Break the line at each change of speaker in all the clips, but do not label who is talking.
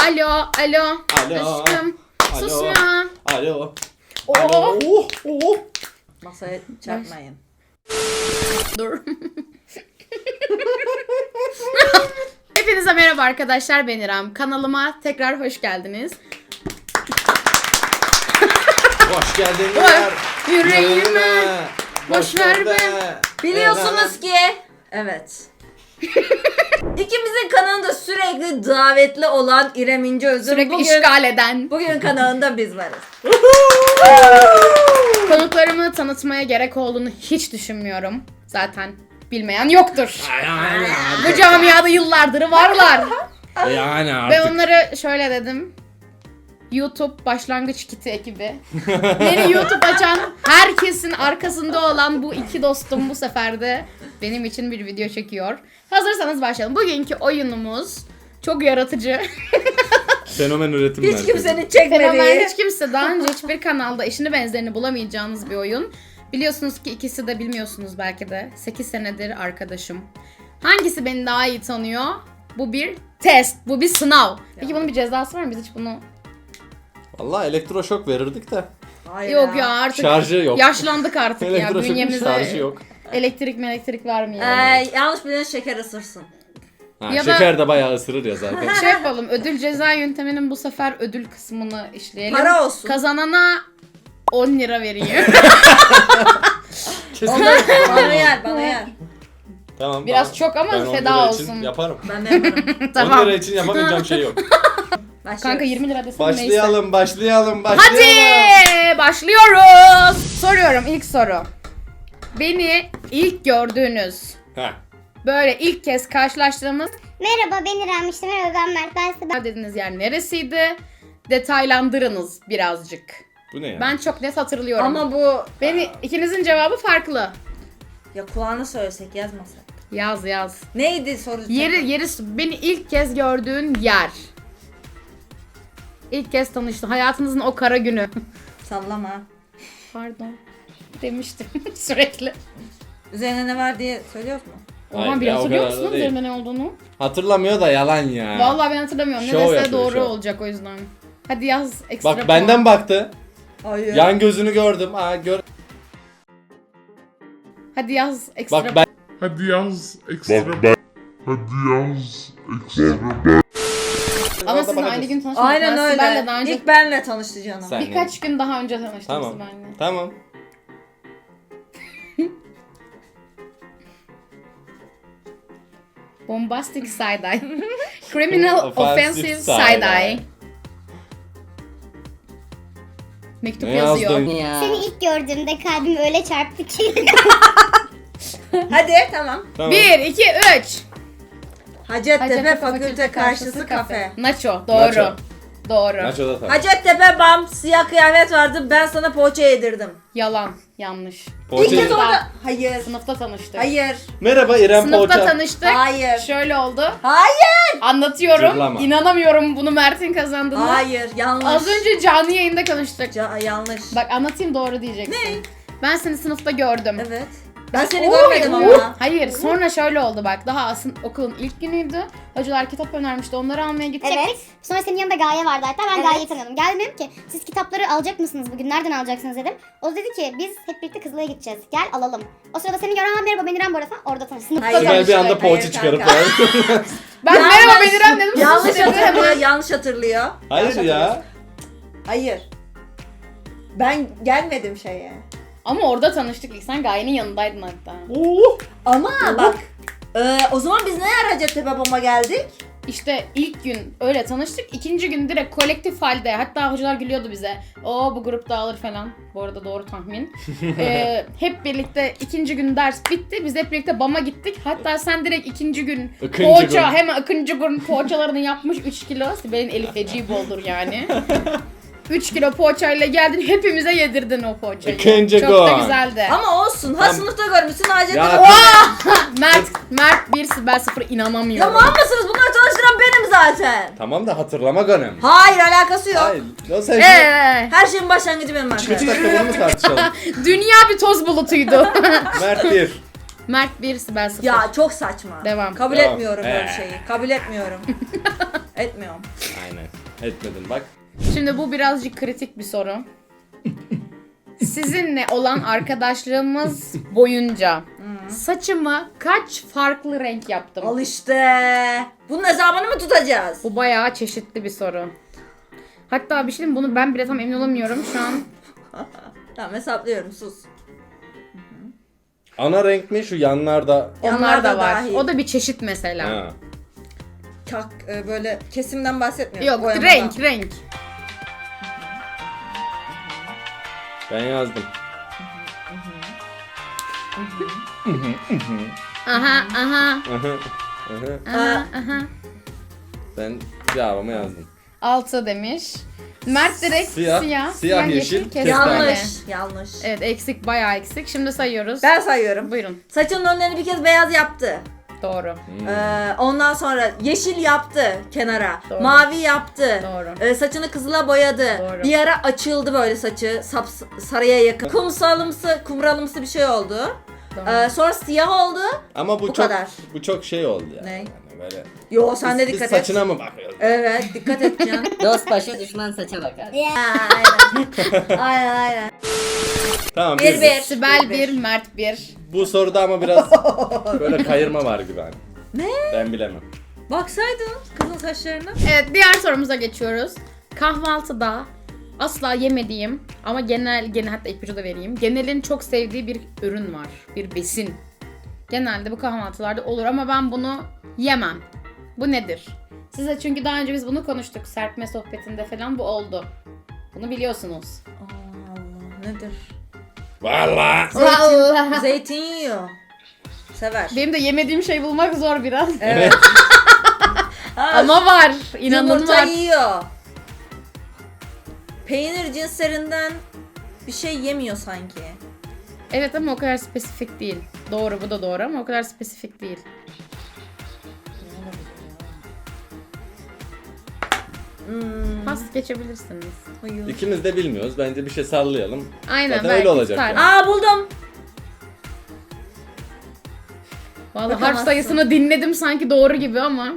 Alo, alo.
Alo.
Aşkım.
Alo.
Sus ya.
Alo.
Oo.
Oh.
Masaya çarpmayın.
Dur. Hepinize merhaba arkadaşlar, ben İrem. Kanalıma tekrar hoş geldiniz.
Hoş geldin
Yüreğime. Boş ver be.
Biliyorsunuz ki evet. İkimizin kanalında sürekli davetli olan İrem İnceöz'ün
Sürekli
bugün
işgal eden.
bugün kanalında biz varız.
Konuklarımı tanıtmaya gerek olduğunu hiç düşünmüyorum. Zaten bilmeyen yoktur. Bu camiada yıllardır varlar.
Yani
Ve
artık.
onları şöyle dedim. YouTube başlangıç kiti ekibi. Yeni YouTube açan herkesin arkasında olan bu iki dostum bu sefer de benim için bir video çekiyor. Hazırsanız başlayalım. Bugünkü oyunumuz çok yaratıcı.
Fenomen üretim
Hiç
merkezi.
kimsenin çekmediği.
Fenomen, hiç kimse daha önce hiçbir kanalda eşini benzerini bulamayacağınız bir oyun. Biliyorsunuz ki ikisi de bilmiyorsunuz belki de. 8 senedir arkadaşım. Hangisi beni daha iyi tanıyor? Bu bir test, bu bir sınav. Peki bunun bir cezası var mı? Biz hiç bunu...
Vallahi elektroşok verirdik de.
Hayır
Yok ya artık
Şarjı yok.
yaşlandık artık ya.
Elektroşokun
Bünyemize
şarjı yok.
elektrik vermeyelim.
Yanlış bilen şeker ısırsın.
Ha,
Ya da-
şeker de bayağı ısırır ya zaten.
Şey yapalım, ödül ceza yönteminin bu sefer ödül kısmını işleyelim.
Para olsun.
Kazanana 10 lira vereyim.
Bana yer, bana yer.
Tamam.
Biraz çok ama
ben 10
feda
lira
olsun.
için yaparım.
Ben de yaparım.
Tamam.
10 lira için yapamayacağım şey yok.
Kanka 20 lira desem neyse.
Başlayalım.
Hadi başlıyoruz. Soruyorum ilk soru. Beni ilk gördüğünüz,
Heh.
böyle ilk kez karşılaştığımız
Merhaba ben İrem, işte merhaba ben Mert, ben size
dediğiniz yer neresiydi? Detaylandırınız birazcık.
Bu ne ya?
Ben çok net hatırlıyorum.
Ama bu
Beni ikinizin cevabı farklı.
ya kulağına söylesek yazmasak.
Yaz.
Neydi soru?
Yeri beni ilk kez gördüğün yer. İlk kez tanıştın. Hayatınızın o kara günü.
Sallama.
Pardon. Demiştim sürekli.
Üzerine ne var diye söylüyoruz mu?
Hayır
Oha bir
ya, o
hatırlıyor
kadar da
musunuz
değil.
üzerinde ne olduğunu?
Hatırlamıyor da yalan ya.
Vallahi ben hatırlamıyorum. Ne
Şov
dese
yapıyor,
doğru
şov.
olacak o yüzden. Hadi yaz ekstra
Bak benden baktı.
Hayır.
Yan gözünü gördüm.
Hadi yaz ekstra
Bak ben
Hadi yaz ekstra. Hadi yaz ekstra.
Ama sizin
bakacağız.
aynı gün tanışmadınız.
Aynen öyle.
Ben de daha önce
İlk benle tanıştı canım.
Sen-
birkaç gün daha önce tanıştınız
Tamam.
benimle.
Tamam.
Bombastic side-eye. Criminal
Offensive
offensive side-eye. Mektup
Ne
yazıyor.
yazdın?
seni ilk gördüğümde kalbim öyle çarptı ki.
Hadi tamam.
Tamam.
1, 2, 3.
Hacettepe Fakülte Karşısı Kafe.
Nacho. Doğru.
Nacho.
Doğru.
Nacho'da tamam.
Hacettepe bam siyah kıyafet vardı, ben sana poğaça yedirdim.
Yalan. Yanlış.
İlk kez
Poğaça-
orada. Hayır.
Sınıfta tanıştık.
Hayır.
Merhaba İrem
Sınıfta
Poğaça.
tanıştık.
Hayır.
Şöyle oldu.
Hayır.
Anlatıyorum.
Cırlama.
İnanamıyorum bunu Mert'in kazandığını.
Hayır. Yanlış.
Az önce canlı yayında konuştuk.
Yanlış.
Bak anlatayım doğru diyeceksin.
Ne?
Ben seni sınıfta gördüm.
Evet. Ben seni
Oy,
görmedim
oy.
ama.
Hayır sonra şöyle oldu bak. Daha aslında okulun ilk günüydü. Hocalar kitap önermişti. Onları almaya gidecektik.
Evet. Sonra senin yanında Gaye vardı hatta, ben Gaye'yi tanıyordum. Geldim dedim ki siz kitapları alacak mısınız bugün, nereden alacaksınız dedim. O da dedi ki biz hep birlikte Kızılay'a gideceğiz, gel alalım. O sırada seni gören merhaba ben İrem bu arada falan, orada tanıştık.
Hayır.
Sibel bir anda
Hayır
poğaça
kanka.
çıkarıp
Ben
Yanlış.
merhaba Bedirem dedim.
Yanlış
Sus dedi hemen.
hatırlıyor. Yanlış hatırlıyor.
Hayır
Yanlış
ya.
hatırlıyor. Hayır. Ben gelmedim şeye.
Ama orada tanıştık ilk. Sen Gaye'nin yanındaydın hatta.
Ama bak. O zaman biz ne yer Hacettepe Bom'a geldik?
İşte ilk gün öyle tanıştık. İkinci gün direkt kolektif halde. Hatta hocalar gülüyordu bize. O bu grup dağılır falan. Bu arada doğru tahmin. Hep birlikte ikinci gün ders bitti. Biz hep birlikte BAM'a gittik. Hatta sen direkt ikinci gün
İkinci
poğaça
gün.
hemen ikinci gün poğaçalarını yapmış 3 kilo. Sibel'in eli feci boldur yani. 3 kilo poğaçayla geldin, hepimize yedirdin o poğaçayı.
İkinci
Çok da
gün.
güzeldi.
Ama olsun. Ha sınıfta görmüşsün Hacettepe.
Ya-
Mert 1, Sibel 0
Ya
inanamıyorum.
mal mısınız? Bunları tanıştıran benim zaten.
Tamam da hatırlamak önemli.
Hayır, alakası yok.
Hayır. Ya sen
Her şeyin başlangıcı benim
3
arkadaşım.
dakika bunu mu tartışalım?
Dünya bir toz bulutuydu.
Mert 1.
Mert 1, Sibel 0.
Ya çok saçma.
Devam.
Kabul
Devam.
etmiyorum böyle şeyi. Kabul etmiyorum. Etmiyorum.
Aynen. Etmedin bak.
Şimdi bu birazcık kritik bir soru. Sizinle olan arkadaşlığımız boyunca saçımı kaç farklı renk yaptım?
Al işte. Bunun hesabını mı tutacağız?
Bu bayağı çeşitli bir soru. Hatta bir şey diyeyim, bunu ben bile tam emin olamıyorum şu an.
Tamam hesaplıyorum sus.
Ana renk mi şu yanlarda?
Onlar da var.
dahil.
O da bir çeşit mesela.
Ha.
Çak böyle kesimden bahsetmiyorum.
Yok,
boyamadan.
renk.
Ben yazdım.
Aha.
Ben cevabımı yazdım.
6 demiş. Mert direkt
Siyah,
siyah,
yeşil,
kestane.
Yanlış. Yanlış.
Evet, eksik, bayağı eksik. Şimdi sayıyoruz.
Ben sayıyorum.
Buyurun.
Saçının önlerini bir kez beyaz yaptı.
Doğru.
Ondan sonra yeşil yaptı kenara.
Doğru.
Mavi yaptı.
Doğru.
Saçını kızıla boyadı.
Doğru.
Bir ara açıldı böyle saçı. Sarıya yakın. Kumralımsı bir şey oldu.
Doğru.
Sonra siyah oldu.
Ama bu
Bu
çok
kadar.
bu çok şey oldu ya.
Ne?
Yani böyle.
Yo sen de
Biz
dikkat et.
saçına mı bakıyoruz?
Evet dikkat et Can.
Dost başı düşman saça bakar.
aynen.
Tamam.
Bir.
Sibel 1, Mert 1.
Bu soruda ama biraz böyle kayırma var gibi hani.
Ne?
Ben bilemem.
Baksaydın kızın saçlarına.
Evet, diğer sorumuza geçiyoruz. Kahvaltıda asla yemediğim ama genel hatta ipucu da vereyim. Genelin çok sevdiği bir ürün var. Bir besin. Genelde bu kahvaltılarda olur ama ben bunu yemem. Bu nedir? Size çünkü daha önce biz bunu konuştuk. Serpme sohbetinde falan bu oldu. Bunu biliyorsunuz.
Allah nedir?
Vallahi.
Vallahi.
Zeytin yiyor. Sever.
Benim de yemediğim şey bulmak zor biraz.
Evet.
Ama var. İnanın
Yumurta
var.
yiyor. Peynir cinslerinden bir şey yemiyor sanki.
Evet ama o kadar spesifik değil. Doğru, bu da doğru ama o kadar spesifik değil. Pas geçebilirsiniz.
Hayır.
İkimiz de bilmiyoruz. Bence bir şey sallayalım.
Aynen,
Zaten
belki
öyle olacak
tutar.
yani.
Aa buldum.
Vallahi harf
Bakamazsın.
sayısını dinledim sanki doğru gibi ama.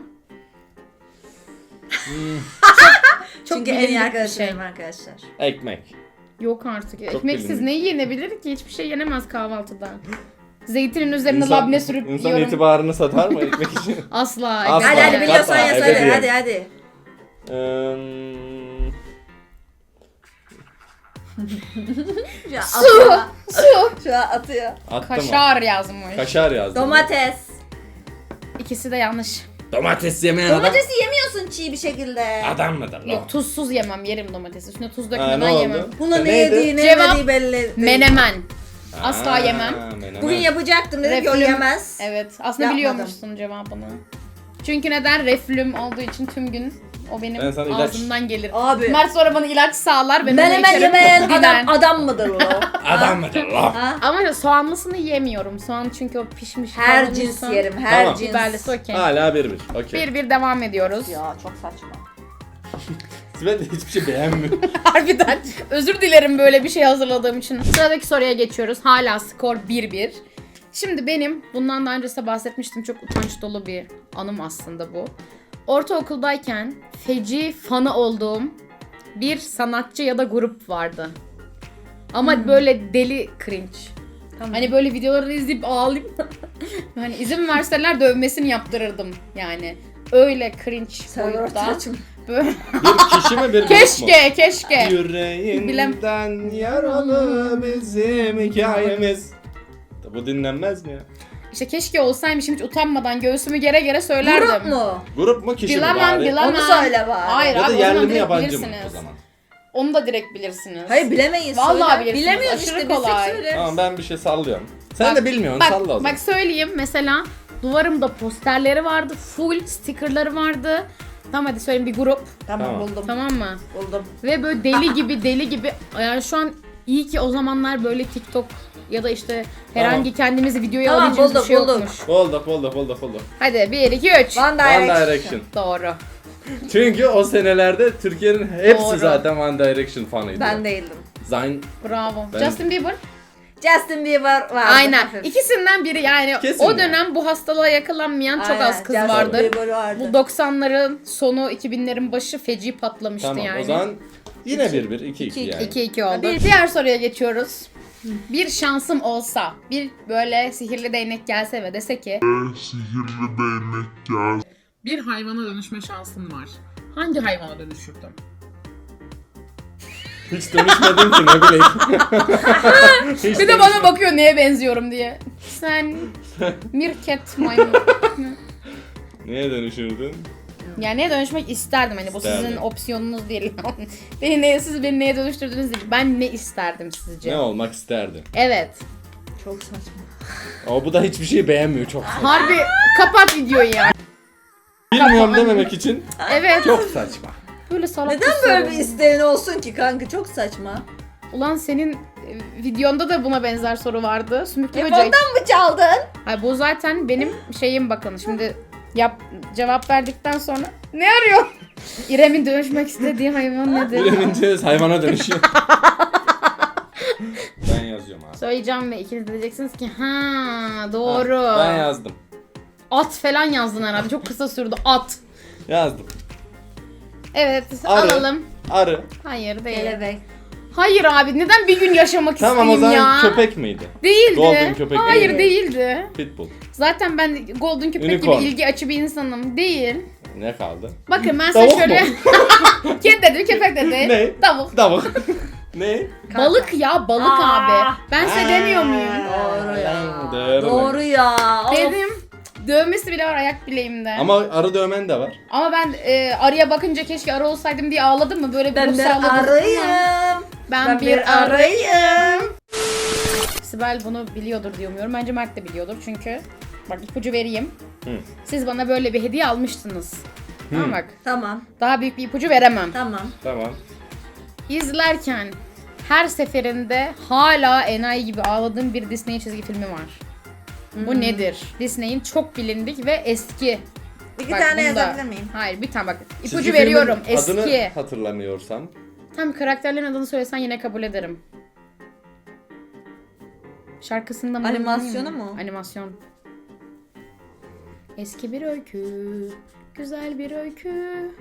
Çok
Çünkü en
bilindik
iyi
bir
arkadaşlarım
şey.
arkadaşlar.
Ekmek.
Yok artık.
Çok
Ekmeksiz
bilindik.
ne yenebilir ki? Hiçbir şey yenemez kahvaltıda. Zeytinin üzerine
İnsan-
labne sürüp
İnsan
yiyorum.
itibarını satar mı ekmek için?
Asla.
Asla.
ekmek
Hadi hadi
yemem.
biliyorsan
Hatta
yaz hadi
ebediyen.
hadi. Şu an atıyor.
Su.
Şu an atıyor.
Attım
Kaşar yazmış.
Kaşar yazdım.
Domates.
İkisi de yanlış.
Domates yemeyen adam.
Domatesi yemiyorsun çiğ bir şekilde.
Adam mıdır lan?
Yok, tuzsuz yemem. Yerim domatesi. Üstüne tuz
Ha,
dökmeden
ne oldu?
yemem.
Buna ne
Neydi?
yediği ne
Cevap,
yemediği belli değil.
Menemen. Asla
Aa,
yemem.
menemen.
Bugün yapacaktım dedim ki o
Reflüm.
yemez.
Evet. Aslında
Yapmadım.
biliyormuşsun cevabını. Çünkü neden? Reflüm olduğu için tüm gün o benim
Ben sana ilaç-
ağzımdan gelir.
Abi.
Mert sonra bana ilaç sağlar. Ben onu
Menemen
içerim.
yemeyen
Diner.
adam mıdır o?
Adam mıdır lan?
Ama soğanlısını yemiyorum. Soğan çünkü o pişmiş.
Her
kavrulmuş
cins
soğan.
yerim, her
Tamam.
cins.
Biberlisi okey.
Hala 1-1. Okey.
1-1 devam ediyoruz.
Ya çok saçma.
Sibel de hiçbir şey beğenmiyor.
Harbiden. Özür dilerim böyle bir şey hazırladığım için. Sıradaki soruya geçiyoruz. Hala skor 1-1. Şimdi benim bundan daha önce size bahsetmiştim. Çok utanç dolu bir anım aslında bu. Ortaokuldayken feci fanı olduğum bir sanatçı ya da grup vardı. Ama böyle deli cringe.
Tamam.
Hani böyle videolarını izleyip ağlayıp hani izin verseler dövmesini yaptırırdım yani. Öyle cringe boyutta. Böyle...
Bir kişi mi bir grup mu?
Keşke.
Yüreğinden yaralı bizim hikayemiz. Bu dinlenmez mi ya?
İşte keşke olsaymışım, hiç utanmadan göğsümü gere gere söylerdim.
Grup mu?
Grup mu kişi mi
Bilemem,
bari?
bilemem.
Onu söyle bari.
Hayır
Ya
abi,
da
o zaman
yerli mi
direkt
yabancı mı
bilirsiniz.
o zaman?
Onu da direkt bilirsiniz.
Hayır bilemeyiz.
Vallahi
söyle.
bilirsiniz.
Bilemiyoruz
Aşırı
işte
kolay.
bilsek söyleriz.
Tamam ben bir şey sallıyorum. Sen
Bak,
de bilmiyorsun salla o zaman.
Bak söyleyeyim, mesela duvarımda posterleri vardı, full stickerları vardı. Tamam hadi söyleyeyim, bir grup,
Tamam,
Tamam.
buldum.
tamam mı?
Buldum.
Ve böyle deli gibi yani şu an iyi ki o zamanlar böyle TikTok ya da işte herhangi kendimizi videoya
Tamam,
alabileceğimiz bir
bulduk,
şey
bulduk.
yokmuş.
Bulduk.
Hadi 1 2 3.
One
One
Direction.
Direction.
Doğru.
Çünkü o senelerde Türkiye'nin hepsi
Doğru.
zaten One Direction fanıydı.
Ben değildim.
Zayn
Bravo.
Ben-
Justin Bieber.
Justin Bieber vardı.
Aynen.
hafif.
İkisinden biri yani.
Kesin
O
ya.
dönem bu hastalığa yakalanmayan çok
Aynen,
az kız
Justin
vardır.
Bieber vardı.
Bu 90'ların sonu 2000'lerin başı feci patlamıştı
Tamam
yani.
o zaman yine 1-1, 2-2 yani.
2-2 oldu.
Bir-
Diğer soruya geçiyoruz. Bir şansım olsa, bir böyle sihirli değnek gelse ve dese ki
Sihirli değnek gel.
Bir hayvana dönüşme şansın var. Hangi hayvana dönüşürdün?
Hiç dönüşmedim ki ne bileyim. Hiç
bir de bana bakıyor neye benziyorum diye. Sen mirket maymun.
Neye dönüşürdün?
Yani neye dönüşmek isterdim hani bu
İsterdim.
sizin opsiyonunuz değil. siz beni neye dönüştürdünüz değil. Ben ne isterdim sizce?
Ne olmak isterdin?
Evet.
Çok saçma.
Ama bu da hiçbir şeyi beğenmiyor çok.
Harbi kapat videoyu ya.
Bilmiyorum dememek için
Evet.
çok saçma.
Böyle salak
Neden
bir
böyle
soru.
bir isteğin olsun ki kanka? Çok saçma.
Ulan senin videonda da buna benzer soru vardı. Sümüklü böcek.
Ondan mı çaldın?
Ay bu zaten benim şeyim bakın. Şimdi cevap verdikten sonra ne arıyor? İrem'in dönüşmek istediği hayvan nedir?
Bilenince hayvana dönüşüyor. Ben yazıyorum abi.
Söyleyeceğim ve ikiniz de diyeceksiniz ki ha doğru.
Ben yazdım.
At falan yazdın herhalde. Çok kısa sürdü. At.
Yazdım.
Evet
Arı.
alalım.
Arı.
Hayır değil.
Kelebek.
Hayır abi neden bir gün yaşamak
Tamam o
isteyeyim
zaman
ya?
köpek miydi?
Değildi.
Golden köpek
Hayır
değil mi?
değildi.
Pitbull.
Zaten ben golden köpek
Unicorn.
gibi ilgi açı bir insanım. Değil.
Ne kaldı?
Bakın ben size
Tavuk
şöyle...
mu?
Kedi dedi, köpek dedi.
Ne?
Tavuk.
Tavuk. Ne?
Balık ya balık
Aa.
abi. Ben size demiyor muyum?
Doğru ya.
Doğru.
Doğru ya. Of.
Dedim. Dövmesi bile var ayak bileğimde.
Ama arı dövmen de var.
Ama ben arıya bakınca keşke arı olsaydım diye ağladım mı? Böyle bir
Ben
ruh
bir
sağladım.
arayım.
Ben bir arayım.
arayım.
Sibel bunu biliyordur diye umuyorum. Bence Mert de biliyordur çünkü. Bak ipucu vereyim.
Hı.
Siz bana böyle bir hediye almıştınız. Tamam bak.
Tamam.
Daha büyük bir ipucu veremem.
Tamam.
Tamam.
İzlerken her seferinde hala enayi gibi ağladığım bir Disney çizgi filmi var. Bu nedir? Disney'in çok bilindik ve eski.
İki
Bak,
tane
bunda-
yazabilir miyim?
Hayır bir tane bak. İpucu
Çizgi
veriyorum.
filmin
Eski.
Adını hatırlamıyorsam.
Tam karakterlerin adını söylesen yine kabul ederim. Şarkısında mı?
Animasyonu mu?
Animasyon. Eski bir öykü. Güzel bir öykü.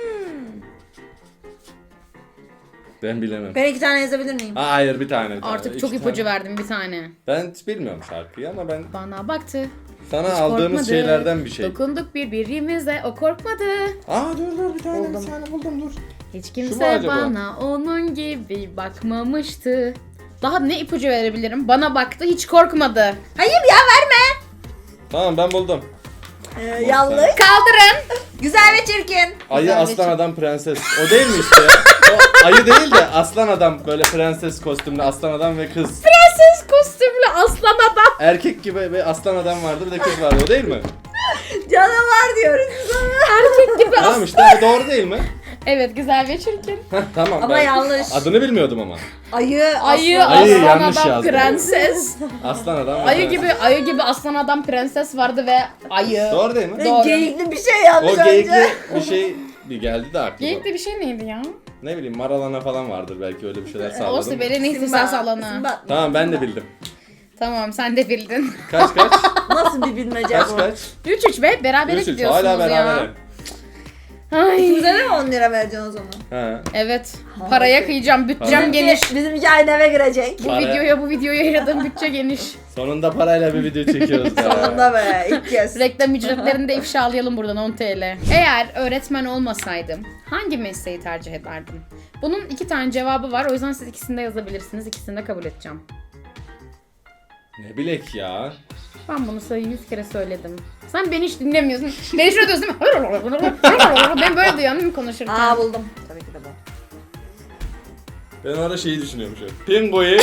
Ben bilemem.
Ben iki tane yazabilir miyim?
Hayır bir tane.
Artık
İki
çok ipucu
tane.
verdim bir tane.
Ben hiç bilmiyorum şarkıyı ama ben
Bana baktı.
sana
Hiç
aldığımız
korkmadı.
şeylerden bir şey.
Dokunduk birbirimize, o korkmadı.
Aa dur bir tane.
Buldum.
Bir tane buldum dur.
Hiç
mu
kimse
acaba?
bana onun gibi bakmamıştı. Daha ne ipucu verebilirim? Bana baktı, hiç korkmadı.
Hayır ya verme.
Tamam ben buldum.
Yanlış.
Kaldırın.
Güzel ve çirkin.
Ayı
Güzel
aslan
bir-
adam prenses. O değil mi işte ya? O ayı değil de aslan adam böyle prenses kostümlü aslan adam ve kız.
Prenses kostümlü aslan adam.
Erkek gibi bir aslan adam vardı bir de kız vardı o değil mi?
Canavar diyoruz biz ona.
Erkek gibi
Tamam
aslan.
işte bu doğru değil mi?
Evet güzel ve çirkin.
Heh, tamam.
Ama
ben
yanlış.
Adını bilmiyordum ama.
Ayı.
Ayı,
aslan.
Ayı
aslan
yanlış
adam,
yazdım.
prenses.
Aslan adam. ve
Ayı
prenses.
gibi aslan adam prenses vardı ve ayı.
Doğru değil mi?
Ben
Doğru.
Geyikli bir şey yazmış
O geyikli
önce.
bir şey bir geldi de aklıma.
Geyikli bir şey neydi ya?
Ne bileyim maralana falan vardır belki öyle bir şeyler
O
salladım.
Sibel'in ihtisas alanı.
Simba.
Tamam ben de bildim.
Tamam sen de bildin.
Kaç?
Nasıl bir bilmece
Kaç
bu?
kaç?
3-3 be berabere
3-3
gidiyorsunuz
hala
ya.
beraber.
Ay.
İkimize de mi 10 lira vereceksin o zaman?
Ha.
Evet. Paraya kıyacağım. Bütçem geniş.
Bizimki aynı eve girecek.
Bu videoya yaradığım bütçe geniş.
Sonunda parayla bir video çekiyoruz ya.
Sonunda be ilk kez.
Reklam ücretlerini de ifşalayalım buradan 10 TL. Eğer öğretmen olmasaydım hangi mesleği tercih ederdim? Bunun 2 tane cevabı var. O yüzden siz ikisini de yazabilirsiniz. İkisini de kabul edeceğim.
Ne bilek ya.
Ben bunu sana 100 kere söyledim. Sen beni hiç dinlemiyorsun. Beni şöyle diyorsun değil mi? Ben böyle duyuyorum değil mi konuşurken?
Aa buldum. Tabii ki de bu.
Ben orada şeyi düşünüyorum şöyle. Pingo'yu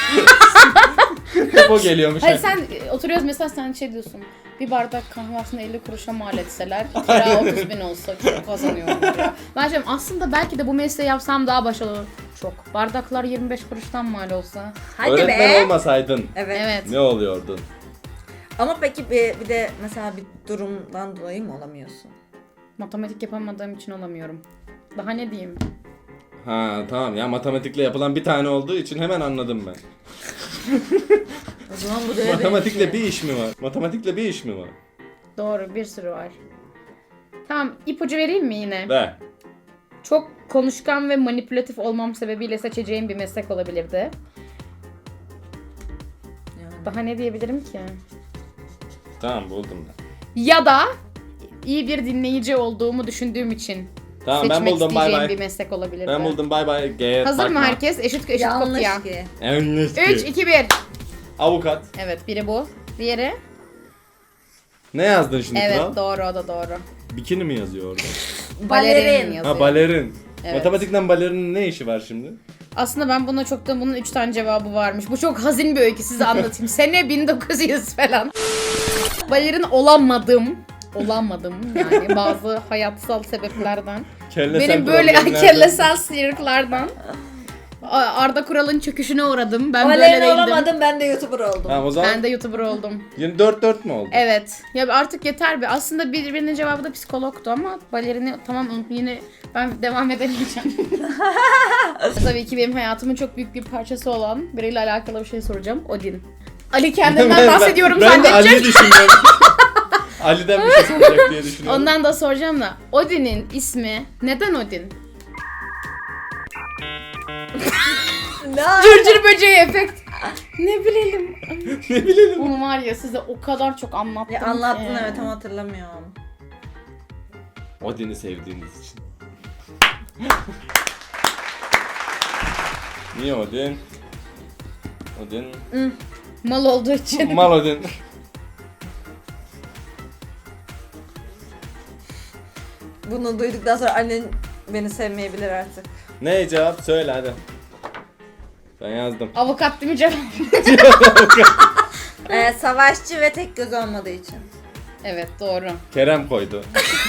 Hep o geliyormuş.
Hayır sen oturuyoruz mesela sen şey diyorsun. Bir bardak kahve aslında 50 kuruşa mal etseler kira 30.000 olsa çok kazanıyorum ya. Ben diyorum aslında belki de bu mesleği yapsam daha başarılı olur. Çok. Bardaklar 25 kuruştan mal olsa.
Hadi
Öğretmen
be.
olmasaydın
Evet.
Evet.
ne oluyordun?
Ama peki bir de mesela bir durumdan dolayı mı olamıyorsun?
Matematik yapamadığım için olamıyorum. Daha ne diyeyim?
Ha tamam ya, matematikle yapılan bir tane olduğu için hemen anladım ben.
O zaman bu deve
Matematikle
benziyor.
bir iş mi var? Matematikle bir iş mi var?
Doğru, bir sürü var. Tamam, ipucu vereyim mi yine?
Ver.
Çok konuşkan ve manipülatif olmam sebebiyle seçeceğim bir meslek olabilirdi.
Yani.
Daha ne diyebilirim ki?
Tamam buldum ben.
Ya da iyi bir dinleyici olduğumu düşündüğüm için
Tamam ben
seçmek
buldum, bay
isteyeceğim
bay.
bir meslek olabilirdi.
Ben buldum, bay bay.
Hazır mı herkes? Eşit
Yanlış
kopya.
ki.
3, 2, 1.
Avukat.
Evet, biri bu. Diğeri?
Ne yazdın şimdi
Evet,
kral?
doğru, o da doğru.
Bikini mi yazıyor orada?
Balerin yazıyor.
Ha balerin.
Evet.
Matematikten balerinin ne işi var şimdi?
Aslında ben buna çoktan bunun 3 tane cevabı varmış. Bu çok hazin bir öykü, size anlatayım. Sene 1900 falan. Balerin olamadım. Olamadım yani bazı hayatsal sebeplerden.
Kellesel
Benim böyle
problemlerden.
kellesel sıyrıklardan. Arda Kural'ın çöküşüne uğradım. Ben böyle
Balerin
değildim.
olamadım, ben de YouTuber oldum.
Tamam o zaman
Ben de YouTuber oldum.
yine 4-4 mü oldu?
Evet. Ya artık yeter be. Aslında birinin cevabı da psikologtu ama balerini tamam yine ben devam edemeyeceğim. Tabii ki benim hayatımın çok büyük bir parçası olan biriyle alakalı bir şey soracağım. Odin. Ali kendinden bahsediyorum
ben de
zannedecek.
Ali'yi düşünüyorum. Ali'den bir şey soracak diye düşünüyorum.
Ondan da soracağım da. Odin'in ismi neden Odin?
Ne?
Cırcır böceği efekt. Ne bilelim.
Ne bilelim.
Bunu var ya size o kadar çok anlattım
Ya
ki.
anlattın evet ama hatırlamıyorum.
Odin'i sevdiğiniz için. Niye Odin? Odin.
Mal olduğu için.
Mal Odin.
Bunu duyduktan sonra annen beni sevmeyebilir artık.
Ne cevap? Söyle hadi. Ben yazdım.
Avukat değil mi cevap?
Savaşçı ve tek göz olmadığı için.
Evet doğru.
Kerem koydu.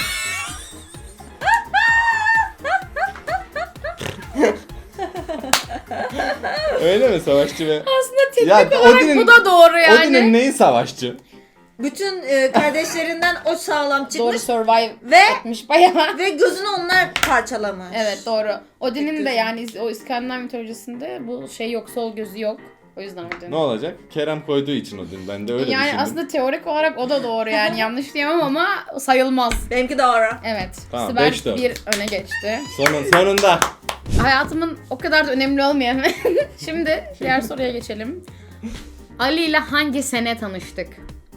Öyle mi, savaşçı ve...
Aslında teknik
Ya,
olarak
Odin'in-
bu da doğru yani.
Odin'in neyi savaşçı?
Bütün kardeşlerinden o sağlam
Doğru
çıkmış
survive
ve
etmiş bayağı.
ve gözünü onlar parçalamış.
Evet doğru. Odin'in de
gözü.
yani o İskandinav mitolojisinde bu şey yok, sol gözü yok. O yüzden Odin.
Ne olacak? Kerem koyduğu için Odin. Ben de öyle
Yani
düşündüm.
aslında teorik olarak o da doğru yani yanlış diyemem ama sayılmaz.
Benimki doğru.
Evet.
Tamam,
Sibel
5-4.
bir öne geçti.
Sonunda.
Hayatımın o kadar da önemli olmayan. Şimdi diğer soruya geçelim. Ali ile hangi sene tanıştık?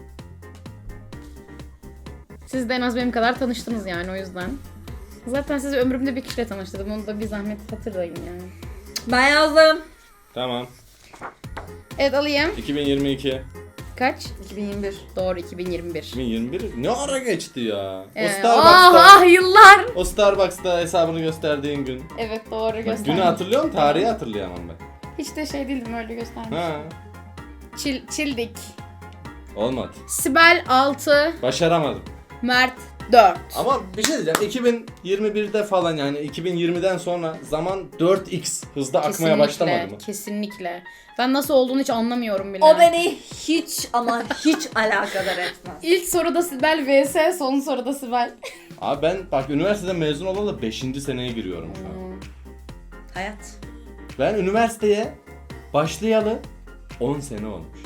Siz de en az benim kadar tanıştınız yani o yüzden. Zaten sizi ömrümde bir kişiyle tanıştırdım. Onu da bir zahmet hatırlayın yani.
Ben yazdım.
Tamam.
Evet alayım.
2022.
Kaç?
2021.
Doğru 2021.
2021 ne ara geçti ya? O
Ah
Starbucks'ta.
ah yıllar.
O Starbucks'ta hesabını gösterdiğin gün.
Evet doğru
Bak,
gösterdim.
günü hatırlıyorum, tarihi hatırlayamam ben.
Hiç de şey değildim öyle göstermiş.
Ha.
Çildik.
Olmadı.
Sibel 6,
Başaramadım.
Mert 4.
Ama bir şey diyeceğim. 2021'de falan yani 2020'den sonra zaman 4x hızda akmaya başlamadı mı?
Kesinlikle. Ben nasıl olduğunu hiç anlamıyorum bile.
O beni hiç ama hiç alakadar etmez.
İlk soruda Sibel vs. son soruda Sibel.
Abi ben bak üniversiteden mezun olalı 5. seneye giriyorum şu an.
Hayat.
Ben üniversiteye başlayalı 10 sene olmuş.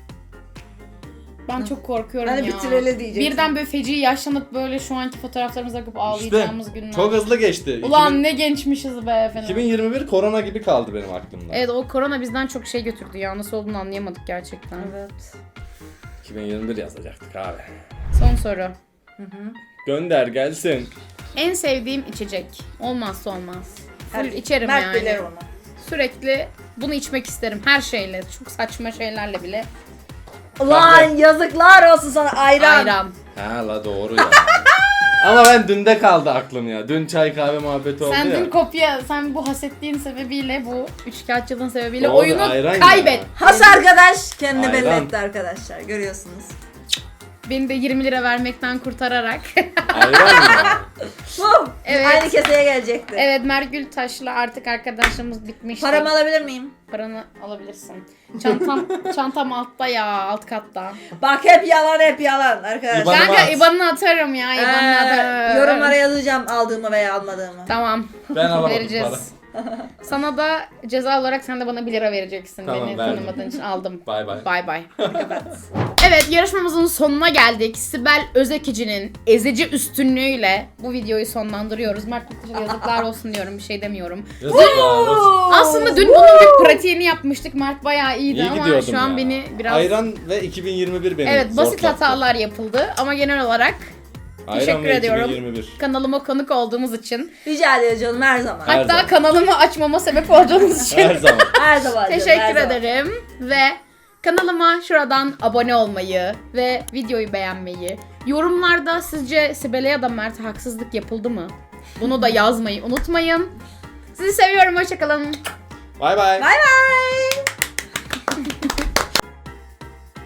Ben çok korkuyorum
Hani
ya.
bitireli diyeceksin.
Birden böyle feci yaşlanıp böyle şu anki fotoğraflarımıza bakıp ağlayacağımız günler.
Çok hızlı geçti.
Ulan ne gençmişiz be falan.
2021 korona gibi kaldı benim aklımda.
Evet o korona bizden çok şey götürdü ya. Nasıl olduğunu anlayamadık gerçekten.
Evet.
2021 yazacaktık abi.
Son soru.
Gönder gelsin.
En sevdiğim içecek. Olmazsa olmaz. Full
Her-
içerim
Mert
yani.
bilir onu.
Sürekli bunu içmek isterim. Her şeyle. Çok saçma şeylerle bile.
Ulan yazıklar olsun sana ayran.
Ayran.
Ha la doğru ya. Ama ben dünde kaldı aklım ya. Dün çay kahve muhabbeti oldu
Sen
ya.
dün kopya, sen bu hasetliğin sebebiyle, bu üçkağıtçılığın sebebiyle
Doğru,
oyunu
ayran
kaybet.
ya.
Has arkadaş kendini belli
Ayran.
etti arkadaşlar. Görüyorsunuz.
Beni de 20 lira vermekten kurtararak.
Ayran ya.
Evet.
Aynı keseye gelecekti.
Evet, Mergül Taş'la artık arkadaşlığımız bitmişti.
Paramı alabilir miyim?
Paranı alabilirsin. Çantam altta ya, alt katta.
Bak hep yalan arkadaşlar.
İban- Bana
Kanka
at.
IBAN'ını atarım ya, IBAN'ını atarım.
Yorumlara yazacağım aldığımı veya almadığımı.
Tamam.
Ben alamadım
Vereceğiz.
para.
Sana da ceza olarak sen de bana 1 lira vereceksin.
Tamam,
Beni
verdim.
tanımadığın için aldım.
Bay bay.
Bay bay. Evet, yarışmamızın sonuna geldik. Sibel Özekici'nin ezici üstünlüğüyle bu videoyu sonlandırıyoruz. Mert Mutlu'ya yazıklar olsun diyorum, bir şey demiyorum.
Yazıklar olsun.
Aslında dün bunun bir pratiğini yapmıştık. Mert bayağı iyiydi
İyi
ama
gidiyordum
şu an
ya.
beni biraz...
Ayran ve 2021 benim
Evet, basit
zortlattı.
hatalar yapıldı ama genel olarak
Ayran
teşekkür
ve
ediyorum.
2021.
kanalıma konuk olduğumuz için.
Rica ediyorum canım her zaman.
Her
Hatta
zaman.
kanalımı açmama sebep olduğunuz için.
Her zaman.
Her zaman canım, her
Teşekkür
zaman.
ederim ve kanalıma şuradan abone olmayı ve videoyu beğenmeyi, yorumlarda sizce Sibel'e ya da Mert'e haksızlık yapıldı mı? Bunu da yazmayı unutmayın. Sizi seviyorum, hoşçakalın.
Bay bay.
Bay bay.